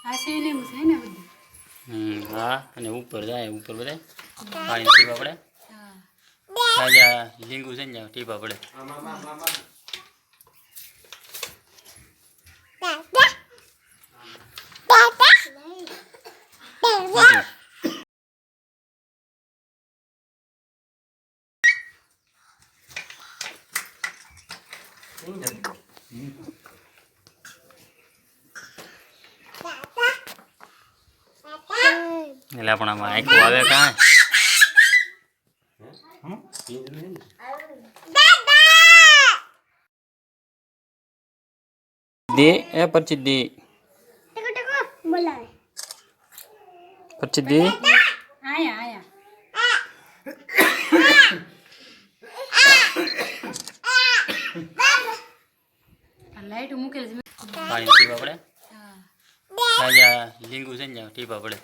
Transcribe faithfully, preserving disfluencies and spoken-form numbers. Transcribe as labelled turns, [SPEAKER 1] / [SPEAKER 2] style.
[SPEAKER 1] हम्म हाँ અને ઉપર જાય ઉપર બધા પાણી ટીપા પડે રાજા લીંગુ છે ને ટીપા પડે એટલે આપણામાં આખું આવે કાં दे ए पर्ची दे पर्ची दे
[SPEAKER 2] आया आया लाइट मुकेल
[SPEAKER 1] पानी टीपा पड़े राजा લીંગુ છે ને ટીપા પડે